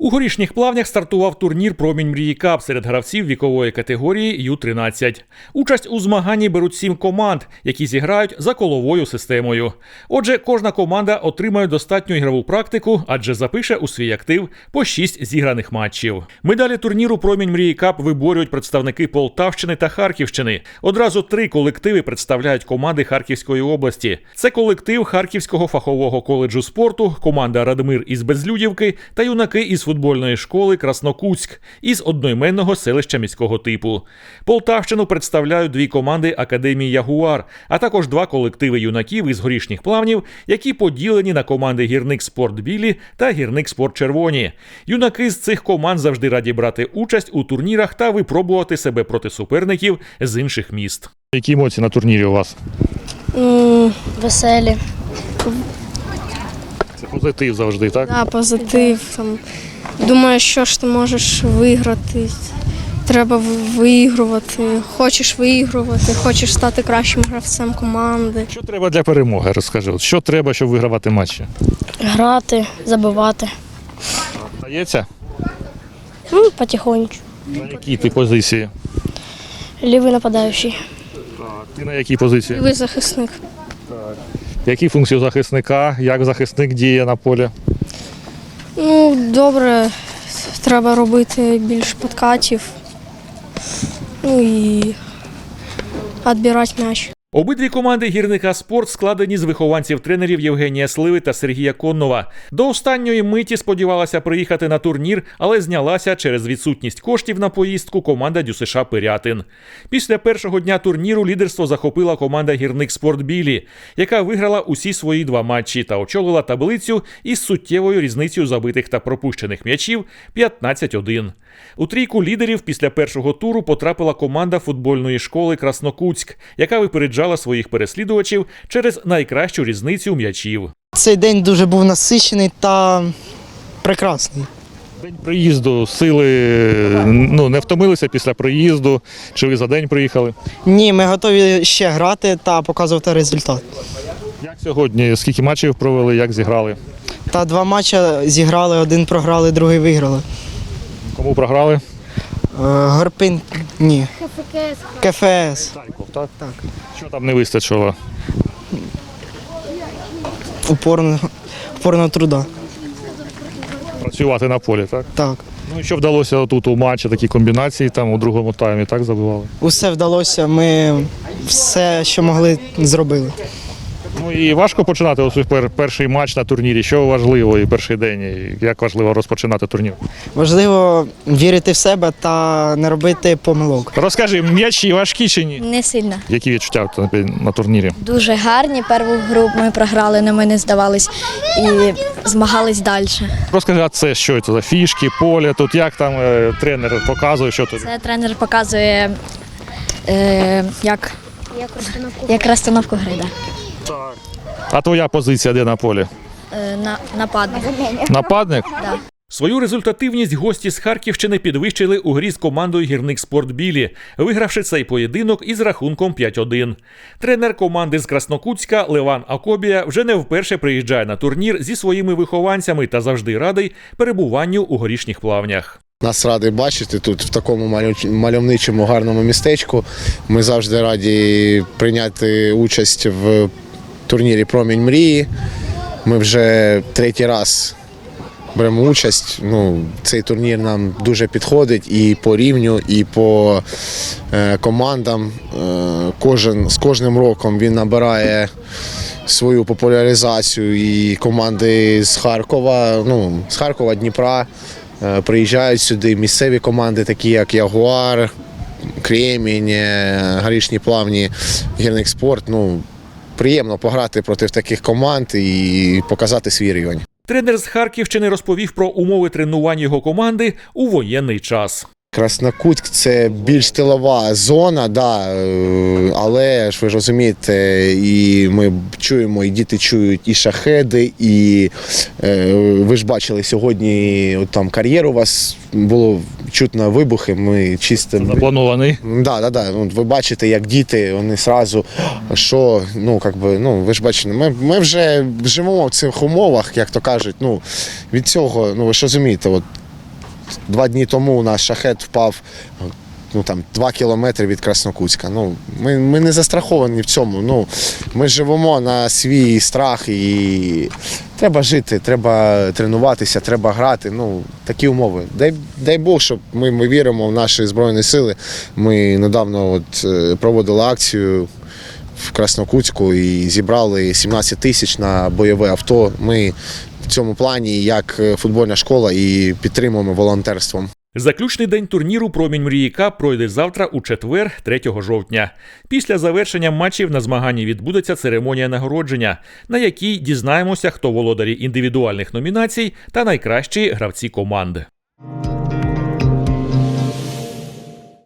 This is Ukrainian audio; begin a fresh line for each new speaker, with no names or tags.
У Горішніх Плавнях стартував турнір «Промінь мрії Кап» серед гравців вікової категорії Ю-13. Участь у змаганні беруть 7 команд, які зіграють за коловою системою. Отже, кожна команда отримає достатню ігрову практику, адже запише у свій актив по 6 зіграних матчів. Медалі турніру «Промінь мрії Кап» виборюють представники Полтавщини та Харківщини. Одразу 3 колективи представляють команди Харківської області. Це колектив Харківського фахового коледжу спорту, команда «Радмир» із Безлюдівки та юнаки із футбольної школи «Краснокутськ» із одноіменного селища міського типу. Полтавщину представляють 2 команди Академії «Ягуар», а також 2 колективи юнаків із Горішніх Плавнів, які поділені на команди «Гірник Спорт Білі» та «Гірник Спорт Червоні». Юнаки з цих команд завжди раді брати участь у турнірах та випробувати себе проти суперників з інших міст.
Які емоції на турнірі у вас?
Веселі.
Це позитив завжди, так?
Да, позитив. Там. Думаю, що ж ти можеш виграти. Треба виігрувати. Хочеш виігрувати, хочеш стати кращим гравцем команди.
Що треба для перемоги, розкажи. Що треба, щоб вигравати матчі?
Грати, забивати.
Вдається?
Потихоньку.
На якій ти позиції?
Лівий нападаючий.
Ти на якій позиції?
Лівий захисник.
Які функції у захисника? Як захисник діє на полі?
Добре, треба робити більше подкатів. І відбирати м'яч.
Обидві команди «Гірника Спорт» складені з вихованців тренерів Євгенія Сливи та Сергія Коннова. До останньої миті сподівалася приїхати на турнір, але знялася через відсутність коштів на поїздку команда ДЮСШ «Пирятин». Після першого дня турніру лідерство захопила команда «Гірник Спорт Білі», яка виграла усі свої 2 матчі та очолила таблицю із суттєвою різницею забитих та пропущених м'ячів 15-1. У трійку лідерів після першого туру потрапила команда футбольної школи «Краснокутськ», яка випереджала своїх переслідувачів через найкращу різницю м'ячів.
Цей день дуже був насичений та прекрасний.
День приїзду, сили не втомилися після приїзду? Чи ви за день приїхали?
Ні, ми готові ще грати та показувати результат.
Як сьогодні? Скільки матчів провели, як зіграли?
Та 2 матчі зіграли, 1 програли, другий виграли.
Кому програли?
Горпин, ні. КФС.
Харків, так?
Так.
Що там не вистачило?
Упорного труда.
Працювати на полі, так?
Так.
Ну і що вдалося тут у матчі, такі комбінації там у другому таймі, так забивали?
Усе вдалося, ми все, що могли, зробили.
Ну і важко починати ось перший матч на турнірі. Що важливо і перший день, і як важливо розпочинати турнір?
Важливо вірити в себе та не робити помилок.
Розкажи, м'ячі важкі чи ні?
Не сильно.
Які відчуття на турнірі?
Дуже гарні. Першу гру ми програли, але ми не здавались і змагались далі.
Розкажи, а це що це за фішки, поле, тут як там тренер показує, що тут?
Це тренер показує, як розстановку гри. Да.
А твоя позиція де на полі?
Нападник.
Нападник?
Да.
Свою результативність гості з Харківщини підвищили у грі з командою «Гірник Спорт Білі», вигравши цей поєдинок із рахунком 5-1. Тренер команди з Краснокутська Леван Акобія вже не вперше приїжджає на турнір зі своїми вихованцями та завжди радий перебуванню у Горішніх Плавнях.
Нас радий бачити тут, в такому мальовничому, гарному містечку. Ми завжди раді прийняти участь в турнірі «Промінь мрії». Ми вже 3-й раз беремо участь. Цей турнір нам дуже підходить і по рівню, і по командам. З кожним роком він набирає свою популяризацію, і команди з Харкова, Дніпра приїжджають сюди. Місцеві команди, такі як «Ягуар», «Кремінь», «Горішні Плавні», «Гірник Спорт». Приємно пограти проти таких команд і показати свій рівень.
Тренер з Харківщини розповів про умови тренувань його команди у воєнний час.
Краснокутськ – це більш тилова зона, але ж ви ж розумієте, і ми чуємо, і діти чують і шахеди, і ви ж бачили сьогодні, там кар'єр у вас було чутно вибухи, ми чисто...
Запланований?
Так. Ви бачите, як діти, вони одразу, що, ви ж бачите, ми вже живемо в цих умовах, як то кажуть, від цього, ви ж розумієте, 2 дні тому у нас шахет впав 2 кілометри від Краснокутська. Ми не застраховані в цьому. Ми живемо на свій страх і треба жити, треба тренуватися, треба грати. Такі умови. Дай Бог, щоб ми віримо в наші Збройні Сили. Ми недавно проводили акцію в Краснокутську і зібрали 17 тисяч на бойове авто. Ми в цьому плані як футбольна школа і підтримуємо волонтерством.
Заключний день турніру «Промінь мрії Кап» пройде завтра у четвер, 3 жовтня. Після завершення матчів на змаганні відбудеться церемонія нагородження, на якій дізнаємося, хто володарі індивідуальних номінацій та найкращі гравці команди.